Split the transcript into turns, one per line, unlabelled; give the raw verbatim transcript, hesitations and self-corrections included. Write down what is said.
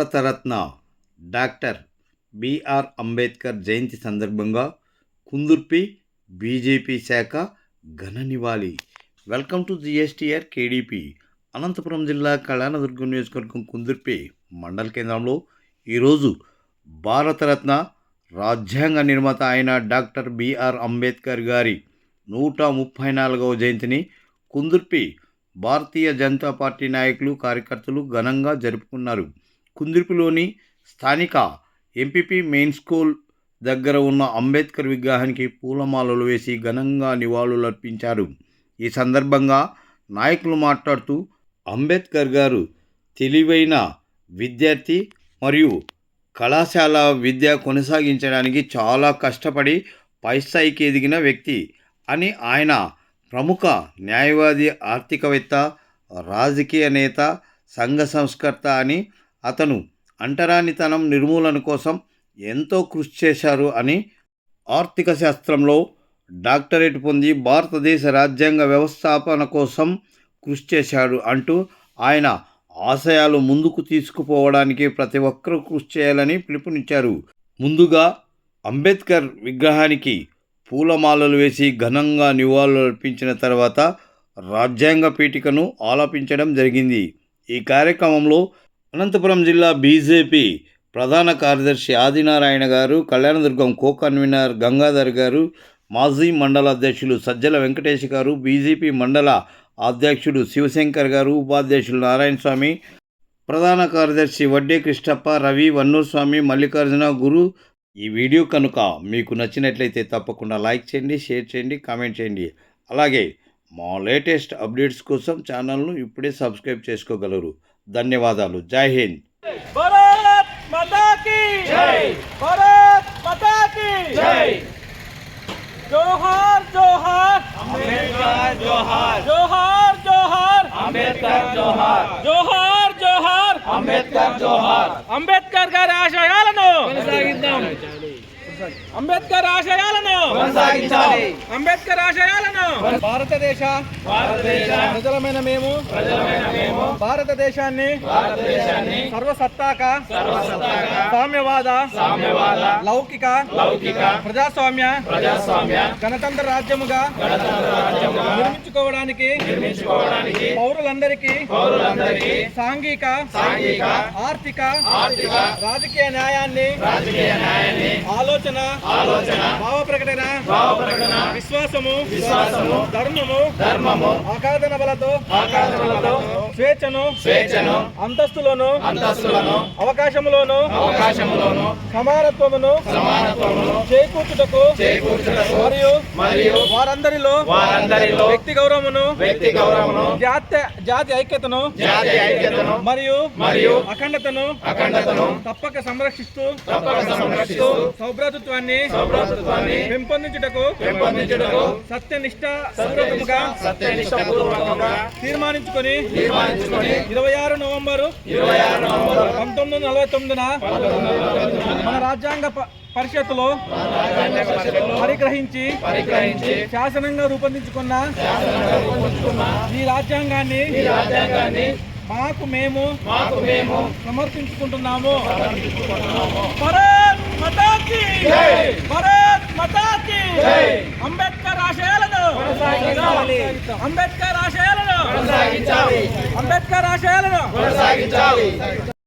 Bharat Ratna doctor B R Ambedkar జయంతి సందర్భంగా Kundurpi BJP శాఖ ఘన నివాళి. Welcome to GSTR KDP. Anantapuram జిల్లా కళ్యాణదుర్గం నియోజకవర్గం కుందుర్పి మండల కేంద్రంలో ఈరోజు భారతరత్న రాజ్యాంగ నిర్మాత అయిన డాక్టర్ బిఆర్ అంబేద్కర్ గారి నూట ముప్పై నాలుగవ జయంతిని కుందుర్పి భారతీయ జనతా పార్టీ నాయకులు కార్యకర్తలు ఘనంగా జరుపుకున్నారు. కుందుర్పిలోని స్థానిక ఎంపీపీ మెయిన్ స్కూల్ దగ్గర ఉన్న అంబేద్కర్ విగ్రహానికి పూలమాలలు వేసి ఘనంగా నివాళులర్పించారు. ఈ సందర్భంగా నాయకులు మాట్లాడుతూ అంబేద్కర్ గారు తెలివైన విద్యార్థి మరియు కళాశాల విద్య కొనసాగించడానికి చాలా కష్టపడి పై స్థాయికి ఎదిగిన వ్యక్తి అని, ఆయన ప్రముఖ న్యాయవాది, ఆర్థికవేత్త, రాజకీయ నేత, సంఘ సంస్కర్త అని, అతను అంటరానితనం నిర్మూలన కోసం ఎంతో కృషి చేశారు అని, ఆర్థిక శాస్త్రంలో డాక్టరేట్ పొంది భారతదేశ రాజ్యాంగ వ్యవస్థాపన కోసం కృషి చేశాడు అంటూ ఆయన ఆశయాలు ముందుకు తీసుకుపోవడానికి ప్రతి ఒక్కరూ కృషి చేయాలని పిలుపునిచ్చారు. ముందుగా అంబేద్కర్ విగ్రహానికి పూలమాలలు వేసి ఘనంగా నివాళులు అర్పించిన తర్వాత రాజ్యాంగ పీఠికను ఆలపించడం జరిగింది. ఈ కార్యక్రమంలో అనంతపురం జిల్లా బీజేపీ ప్రధాన కార్యదర్శి ఆదినారాయణ గారు, కళ్యాణదుర్గం కో కన్వీనర్ గంగాధర్ గారు, మాజీ మండల అధ్యక్షులు సజ్జల వెంకటేష్ గారు, బీజేపీ మండల అధ్యక్షుడు శివశంకర్ గారు, ఉపాధ్యక్షులు నారాయణ స్వామి, ప్రధాన కార్యదర్శి వడ్డే కృష్ణప్ప, రవి, వన్నూరు స్వామి, మల్లికార్జున, గురు. ఈ వీడియో కనుక మీకు నచ్చినట్లయితే తప్పకుండా లైక్ చేయండి, షేర్ చేయండి, కామెంట్ చేయండి. అలాగే మా లేటెస్ట్ అప్డేట్స్ కోసం ఛానల్ను ఇప్పుడే సబ్స్క్రైబ్ చేసుకోగలరు. ధన్యవాదాలు. జై హింద్.
భారత్ మాతా కీ జై. భారత్ మాతా కీ జై. జోహార్ జోహార్ అంబేద్కర్, జోహార్ జోహార్ జోహార్ అంబేద్కర్, జోహార్ జోహార్ జోహార్ అంబేద్కర్, జోహార్. అంబేద్కర్ గారి ఆశయాలను కొనసాగిద్దాం. అంబేద్కర్ ఆశయాలను కొనసాగించాలి. అంబేద్కర్ ఆశయాలను భారతదేశ భారతదేశ ప్రజలమైన మేము ప్రజలమైన మేము భారతదేశాన్ని భారతదేశాన్ని సర్వసత్తాక సర్వసత్తాక సామ్యవాద సామ్యవాద లౌకిక లౌకిక ప్రజాస్వామ్య ప్రజాస్వామ్య గణతంత్ర రాజ్యముగా గణతంత్ర రాజ్యముగా నిర్మించుకోవడానికి నిర్మించుకోవడానికి పౌరులందరికీ పౌరులందరికీ సాంఘిక సాంఘిక ఆర్థిక ఆర్థిక రాజకీయ న్యాయాన్ని రాజకీయ న్యాయాన్ని ఆలోచన ఆలోచన భావ ప్రకటన భావ ప్రకటన విశ్వాసము విశ్వాసము ధర్మము ధర్మము ఆకాదన బలతో ఆకాదనలతో స్వేచ్ఛను స్వేచ్ఛను అంతస్తులను అంతస్తులను అవకాశములను అవకాశములను సమానత్వమును సమానత్వమును చేకూర్చుటకు చేకూర్చుటకు మరియు మరియు వారందరిలో వారందరిలో వ్యక్తి గౌరవమును వ్యక్తి గౌరవమును జాతి జాతి ఐక్యతను జాతి ఐక్యతను మరియు మరియు అఖండతను అఖండతను తప్పక సంరక్షిస్తూ తప్పక సంరక్షిస్తూ సౌభ్రాతృత్వాన్ని సౌభ్రాతృత్వాన్ని పెంపొందించుటకు పెంపొందించుటకు సత్యనిష్ట పూర్వకముగా సత్యనిష్టపూర్వకంగా తీర్మానించుకొని తీర్మానించుకొని ఇరవై ఆరు నవంబరు ఇరవై ఆరు నవంబరు పంతొమ్మిది వందల నలభై తొమ్మిదిన మన రాజ్యాంగ పరిషత్తులో పరిగ్రహించి పరిగ్రహించి శాసనంగా రూపొందించుకున్న ఈ రాజ్యాంగాన్ని ఈ రాజ్యాంగాన్ని మాకు మేము మాకు మేము సమర్పించుకుంటున్నాము. భారత్ మాతా కీ జై. భారత్ మాతా కీ జై. అంబేద్కర్ ఆశయాలను కొనసాగించాలి. అంబేద్కర్ ఆశయాలను కొనసాగించాలి. అంబేద్కర్ ఆశయాలను కొనసాగించాలి.